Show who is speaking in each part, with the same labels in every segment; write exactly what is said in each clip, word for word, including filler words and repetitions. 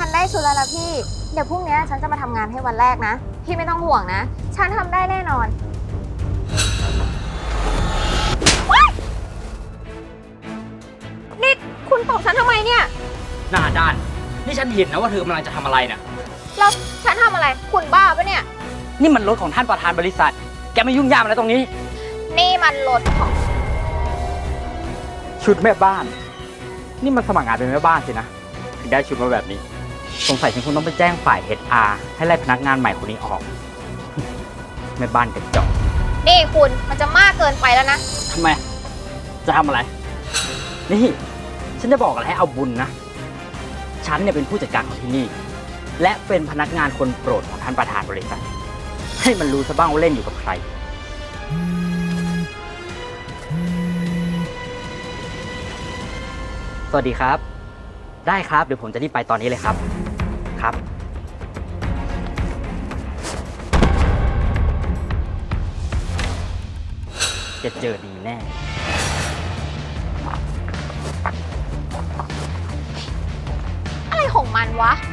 Speaker 1: ฉันได้ชุดแล้วนะพี่เดี๋ยวพรุ่งนี้ฉันจะมาทำงานให้วันแรกนะพี่ไม่ต้องห่วงนะฉันทำได้แน่นอนนี่คุณตบฉันทำไมเนี่ย
Speaker 2: หน้าด้านนี่ฉันเห็นนะว่าเธอกำลังจะทำอะไรเนี่ย
Speaker 1: แล้วฉันทำอะไรคุณบ้าปะเนี่ย
Speaker 2: นี่มันรถของท่านประธานบริษัทแกไม่ยุ่งยากอะไรตรงนี้
Speaker 1: นี่มันรถของ
Speaker 2: ชุดแม่บ้านนี่มันสมัครงานเป็นแม่บ้านสินะถึงได้ชุดมาแบบนี้สงสัยฉันคงต้องไปแจ้งฝ่าย เอช อาร์ ให้ไล่พนักงานใหม่คนนี้ออกแม่บ้านกระจอก
Speaker 1: นี่คุณมันจะมากเกินไปแล้วนะ
Speaker 2: ทำไมจะทำอะไรนี่ฉันจะบอกอะไรให้เอาบุญนะฉันเนี่ยเป็นผู้จัดการของที่นี่และเป็นพนักงานคนโปรดของท่านประธานบริษัทให้มันรู้ซะบ้างว่าเล่นอยู่กับใครสวัสดีครับได้ครับเดี๋ยวผมจะรีบไปตอนนี้เลยครับครับจะเจอดีแน่
Speaker 1: อะไรของมันวะ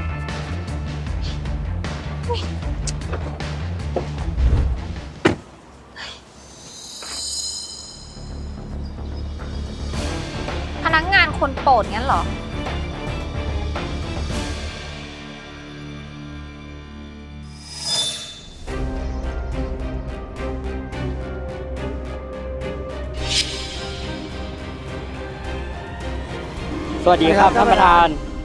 Speaker 1: พนักงานคนโปรดงั้นเหรอ
Speaker 2: สวัสดีครับท่านประธาน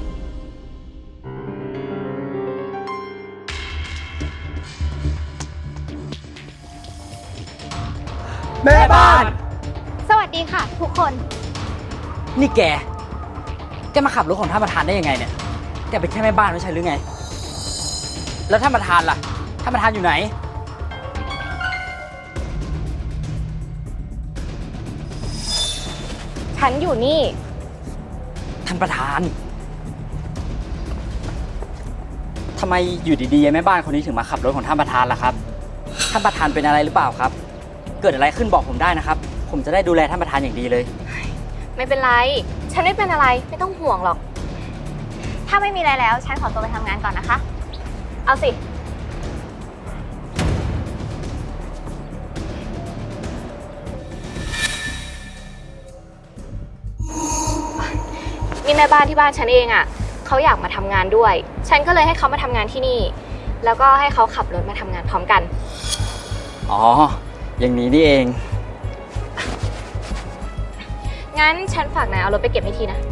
Speaker 3: แม่บ้าน
Speaker 1: สวัสดีค่ะทุกคน
Speaker 2: นี่แกแกมาขับรถของท่านประธานได้ยังไงเนี่ยแกเป็นแค่แม่บ้านไม่ใช่หรือไงแล้วท่านประธานล่ะท่านประธานอยู่ไหน
Speaker 1: ฉันอยู่นี่
Speaker 2: ท่านประธานทำไมอยู่ดีๆแม่บ้านคนนี้ถึงมาขับรถของท่านประธานล่ะครับท่านประธานเป็นอะไรหรือเปล่าครับเกิดอะไรขึ้นบอกผมได้นะครับผมจะได้ดูแลท่านประธานอย่างดีเลย
Speaker 1: ไม่เป็นไรฉันไม่เป็นอะไรไม่ต้องห่วงหรอกถ้าไม่มีอะไรแล้วฉันขอตัวไปทำงานก่อนนะคะเอาสินี่แม่บ้านที่บ้านฉันเองอ่ะเขาอยากมาทำงานด้วยฉันก็เลยให้เขามาทำงานที่นี่แล้วก็ให้เขาขับรถมาทำงานพร้อมกัน
Speaker 2: อ๋ออย่างนี้นี่เอง
Speaker 1: งั้นฉันฝากนายเอารถไปเก็บให้ทีนะ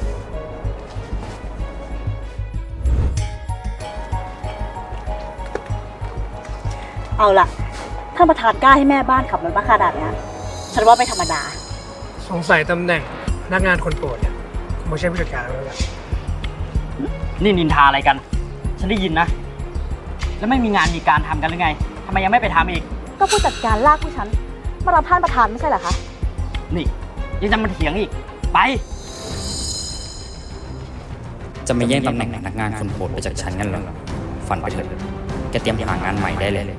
Speaker 4: เอาล่ะท่านประธานกล้าให้แม่บ้านขับรถมาขนาดนี้ฉันว่าไม่ธรรมดา
Speaker 3: สงสัยตำแหน่งพนักงานคนโปรดเนี่ยคงไม่ใช่ผู้จัดการแล้วล่ะ
Speaker 2: นี่นินทาอะไรกันฉันได้ยินนะแล้วไม่มีงานมีการทำกันหรือไงทำไมยังไม่ไปทำอีก
Speaker 4: ก็ผู้จัดการลากผู้ฉันมารับท่านประธานไม่ใช่เหรอคะ
Speaker 2: นี่ยังจะมาเถียงอีกไป
Speaker 5: จะไม่แย่งตำแหน่งพนักงานคนโปรดไปจากฉันงั้นเหรอฝันไปเถอะแกเตรียมหางานใหม่ได้เลย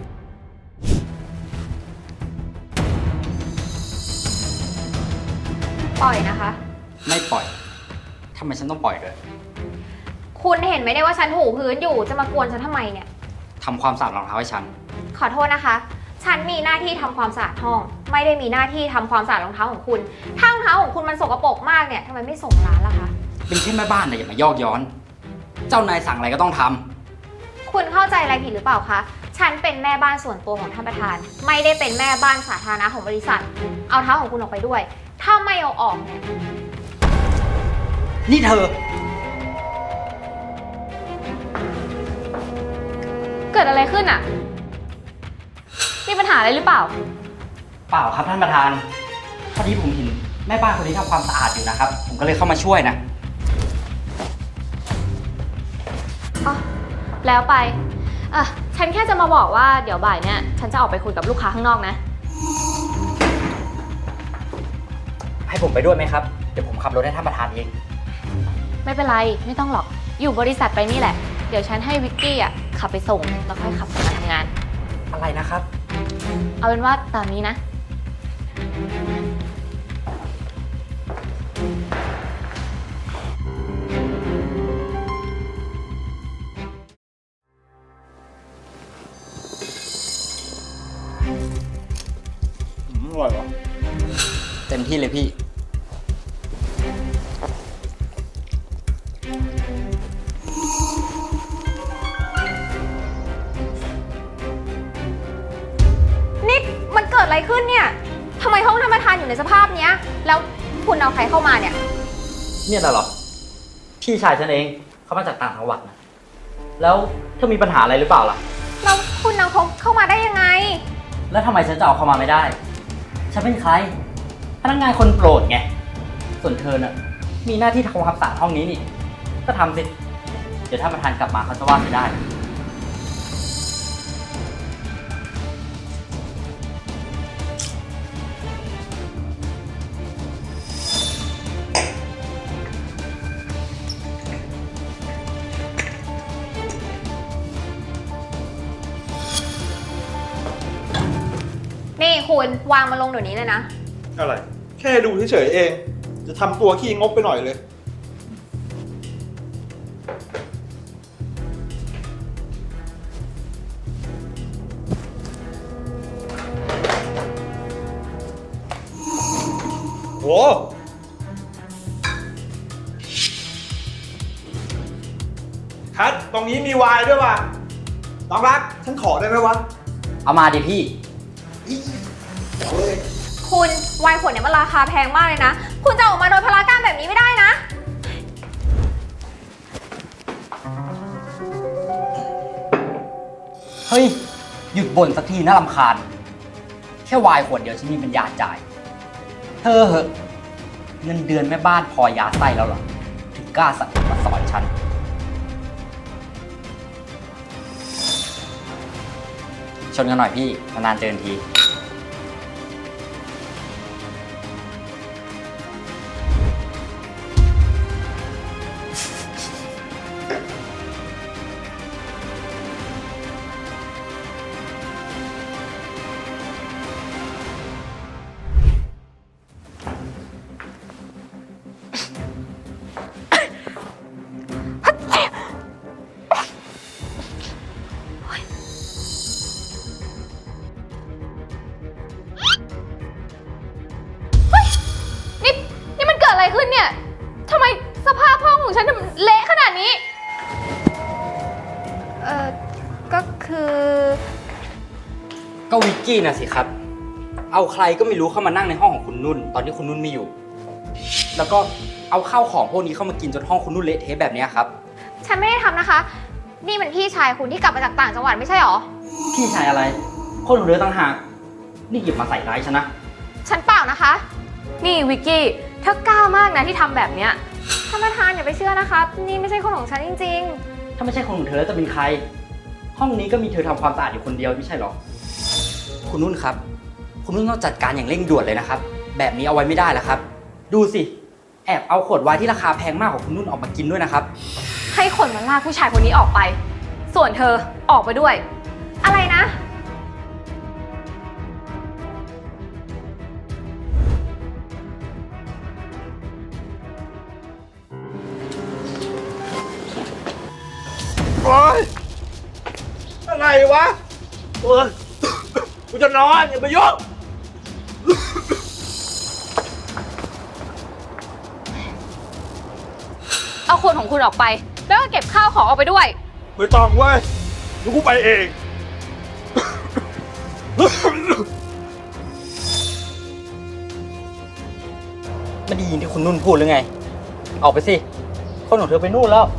Speaker 1: ปล่อยนะคะ
Speaker 2: ไม่ปล่อยทำไมฉันต้องปล่อยด้วย
Speaker 1: คุณเห็นไหมเนี่ยว่าฉันถูพื้นอยู่จะมากวนฉันทำไมเนี่ย
Speaker 2: ทำความสะอาดรองเท้าให้ฉัน
Speaker 1: ขอโทษนะคะฉันมีหน้าที่ทำความสะอาดห้องไม่ได้มีหน้าที่ทำความสะอาดรองเท้าของคุณถ้ารองเท้าของคุณมันสกปรกมากเนี่ยทำไมไม่ส่งร้านล่ะคะ
Speaker 2: เป็นแค่แม่บ้านนะอย่ามายอกย้อนเจ้านายสั่งอะไรก็ต้องทำ
Speaker 1: คุณเข้าใจอะไรผิดหรือเปล่าคะฉันเป็นแม่บ้านส่วนตัวของท่านประธานไม่ได้เป็นแม่บ้านสาธารณะของบริษัทเอาเท้าของคุณออกไปด้วยถ้าไม่เอาออกเนี่ย
Speaker 2: นี่เธอ
Speaker 1: เกิดอะไรขึ้นอ่ะมีปัญหาอะไรหรือเปล่า
Speaker 2: เปล่าครับท่านประธานพอดีผมเห็นแม่บ้านคนนี้ทำความสะอาดอยู่นะครับผมก็เลยเข้ามาช่วยนะ
Speaker 1: อ๋อแล้วไปอ่ะฉันแค่จะมาบอกว่าเดี๋ยวบ่ายเนี่ยฉันจะออกไปคุยกับลูกค้าข้างนอกนะ
Speaker 2: ให้ผมไปด้วยไหมครับเดี๋ยวผมขับรถให้ท่านประธานเอง
Speaker 1: ไม่เป็นไรไม่ต้องหรอกอยู่บริษัทไปนี่แหละเดี๋ยวฉันให้วิกกี้อ่ะขับไปส่งแล้วค่อยขับมาทำงาน
Speaker 2: อะไรนะครับ
Speaker 1: เอาเป็นว่าตามนี้นะ
Speaker 2: ที่เลยพี่
Speaker 1: นี่มันเกิดอะไรขึ้นเนี่ยทำไมห้องท่านประธานอยู่ในสภาพเนี้ย แล้วคุณเอาใครเข้ามาเนี่ย
Speaker 2: เนี่ยน่ะเหรอ พี่ชายฉันเองเขามาจากต่างจังหวัดนะแล้วเธอมีปัญหาอะไรหรือเปล่าล่ะ
Speaker 1: แล้วคุณเอาเขาเข้ามาได้ยังไง
Speaker 2: แล้วทำไมฉันจะเอาเข้ามาไม่ได้ ฉันเป็นใคร พนักงานคนโปรดไง ส่วนเธอน่ะ มีหน้าที่ทำความสะอาดห้องนี้นี่ ก็ทำสิ เดี๋ยวถ้าประธานกลับมาเขาจะว่าไม่ได้
Speaker 1: นี่คุณวางมาลงเดี๋ยวนี้เลยนะ
Speaker 6: อะไร แค่ดูเฉยๆเอง จะทำตัวขี้งกไปหน่อยเลย โห คัดตรงนี้มีไวน์ด้วยว่ะน้องรัก ฉันขอได้ไหมวะ
Speaker 2: เอามาดิพี่
Speaker 1: คุณไวน์ขวดเนี่ยมันราคาแพงมากเลยนะ คุณจะออกมาโดยพลาการแบบนี้ไม่ได้นะ
Speaker 2: เฮ้ย หยุดบ่นสักทีน่ารำคาญ แค่วายขวดเดียวฉันมีปัญญาจ่าย เธอเหอะ เงินเดือนแม่บ้านพอยาไส้แล้วเหรอ ถึงกล้าสั่งมาสอนฉัน ชนกันหน่อยพี่ นานๆเจอที
Speaker 1: นี่นี่มันเกิดอะไรขึ้นเนี่ยทำไมสภาพห้องของฉันมันเละขนาดนี้ เอ่อ ก็คือ
Speaker 2: ก็วิกกี้นะสิครับ เอาใครก็ไม่รู้เข้ามานั่งในห้องของคุณนุ่น ตอนที่คุณนุ่นไม่อยู่ แล้วก็เอาข้าวของพวกนี้เข้ามากินจนห้องคุณนุ่นเละเทะแบบนี้ครับ
Speaker 1: ฉันไม่ได้ทำนะคะ นี่มันพี่ชายคุณที่กลับมาจากต่างจังหวัดไม่ใช่หรอ
Speaker 2: พี่ชายอะไร คนของเรือต่างหาก นี่หยิบมาใส่ร้ายฉันนะ
Speaker 1: ฉันเปล่านะคะ
Speaker 7: นี่วิกกี้เธอกล้ามากนะที่ทำแบบเนี้ย
Speaker 1: ท่านประธานอย่าไปเชื่อนะคะ นี่ไม่ใช่คนของฉันจริง
Speaker 2: ถ้าไม่ใช่คนของเธอแล้วจะเป็นใคร ห้องนี้ก็มีเธอทำความสะอาดอยู่คนเดียวไม่ใช่หรอ คุณนุ่นครับ คุณนุ่นต้องจัดการอย่างเร่งด่วนเลยนะครับ แบบนี้เอาไว้ไม่ได้แล้วครับ ดูสิ แอบเอาขวดไวน์ที่ราคาแพงมากของคุณนุ่นออกมากินด้วยนะครับ
Speaker 7: ให้คนมาลากผู้ชายคนนี้ออกไป ส่วนเธอออกไปด้วย
Speaker 1: ๆ อะไรนะ
Speaker 6: โอ๊ย อะไรวะเออกูจะนอนอย่าไปยุ่ง
Speaker 7: เอาคนของคุณออกไป แล้วก็เก็บข้าวของออกไปด้วย
Speaker 6: ไม่ต้องเว้ยเดี๋ยวกูไปเอง
Speaker 2: ไม่ได้ยินที่คุณนุ่นพูดหรือไง ออกไปสิ คนของเธอไปนู่นแล้ว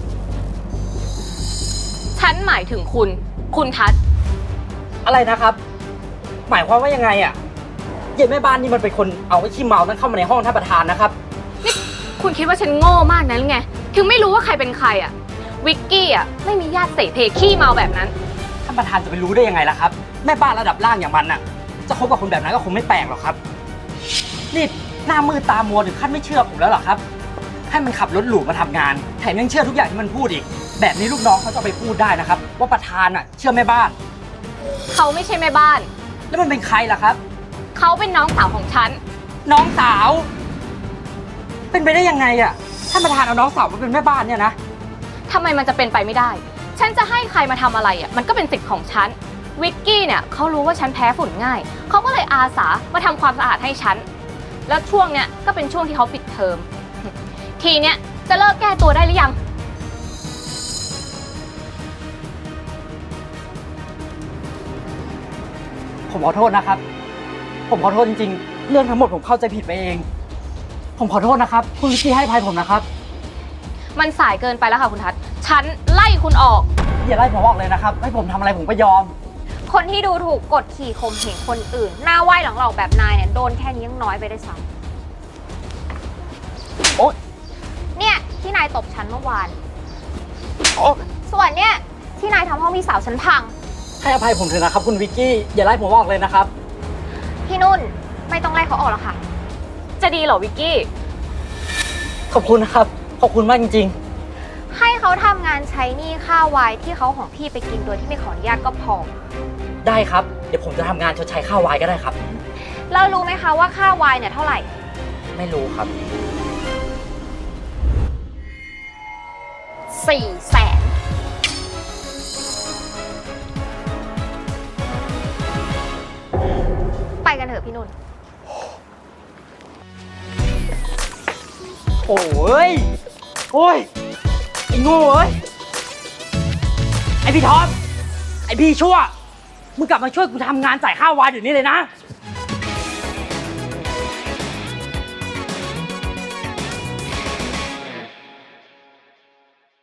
Speaker 7: ฉันหมายถึงคุณ คุณทัศน์
Speaker 2: อะไรนะครับ หมายความว่ายังไงอ่ะเย็นแม่บ้านนี่มันเป็นคนเอาไอ้ขี้เมานั้นเข้ามาในห้องท่านประธานนะครับ
Speaker 7: นี่คุณคิดว่าฉันโง่มากนะหรือไง ถึงไม่รู้ว่าใครเป็นใครอะ วิกกี้อะไม่มีญาติเสเพขี้เมาแบบนั้น
Speaker 2: ท่านประธานจะไปรู้ได้ยังไงล่ะครับ แม่บ้านระดับล่างอย่างมันน่ะ จะคบกับคนแบบนั้นก็คงไม่แปลกหรอกครับ นี่หน้ามือตามัวถึงขั้นไม่เชื่อผมแล้วเหรอครับ ให้มันขับรถหรูมาทำงาน แถมยังเชื่อทุกอย่างที่มันพูดอีก แบบนี้ลูกน้องเขาจะเอาไปพูดได้นะครับ ว่าประธานอ่ะเชื่อแม่บ้าน
Speaker 7: เขาไม่ใช่แม่บ้าน
Speaker 2: แล้วมันเป็นใครล่ะครับ
Speaker 7: เขาเป็นน้องสาวของฉัน
Speaker 2: น้องสาว เป็นไปได้ยังไงอ่ะ ท่านประธานเอาน้องสาวมาเป็นแม่บ้านเนี่ยนะ
Speaker 7: ทำไมมันจะเป็นไปไม่ได้ ฉันจะให้ใครมาทำอะไรอ่ะ มันก็เป็นสิทธิ์ของฉัน วิกกี้เนี่ยเขารู้ว่าฉันแพ้ฝุ่นง่าย เขาก็เลยอาสามาทำความสะอาดให้ฉันแล้วช่วงเนี้ยก็เป็นช่วงที่เขาปิดเทอม ทีเนี้ยจะเลิกแก้ตัวได้หรือยัง
Speaker 2: ผมขอโทษนะครับ ผมขอโทษจริงๆ เรื่องทั้งหมดผมเข้าใจผิดไปเอง ผมขอโทษนะครับ คุณวิกกี้ให้อภัยผมนะครับ
Speaker 7: มันสายเกินไปแล้วค่ะคุณทัศน์ฉันไล่คุณออก
Speaker 2: อย่าไล่ผมออกเลยนะครับ ให้ผมทำอะไรผมก็ยอม
Speaker 1: คนที่ดูถูกกดขี่ข่มเหงคนอื่น หน้าไหว้หลังหลอกแบบนายเนี่ยโดนแค่นี้ยังน้อยไปได้วยซ้
Speaker 2: โอ๊ย
Speaker 1: ำเนี่ยที่นายตบฉันเมื่อวาน
Speaker 2: โอ๊ย
Speaker 1: ส่วนเนี่ยที่นายทำห้องพี่สาวฉันพัง
Speaker 2: ให้อภัยผมเถอะนะครับคุณวิกกี้ อย่าไล่ผมออกเลยนะครับ
Speaker 1: พี่นุ่นไม่ต้องไล่เขาออกแล้วค่ะ
Speaker 7: จะดีเหรอวิกกี้
Speaker 2: ขอบคุณนะครับ ขอบคุณมากจริง
Speaker 1: ให้เขาทำงานใช้หนี้ค่าวายที่เขาของพี่ไปกินโดยที่ไม่ขออนุญาตก็พอ
Speaker 2: ๆ ได้ครับ เดี๋ยวผมจะทำงานชดใช้ค่าวายก็ได้ครับ
Speaker 1: แล้วรู้ไหมคะว่าค่าวายเนี่ยเท่าไหร่
Speaker 2: ไม่รู้ครับ
Speaker 1: สี่แสน ไปกันเถอะพี่นุ่น
Speaker 2: โอ้ย โอ้ย ไอ้โง่เอ้ย ไอ้พี่ท็อป ไอ้พี่ชั่ว มึงกลับมาช่วยกูทำงานจ่ายค่าวายเดี๋ยวนี้เลยนะ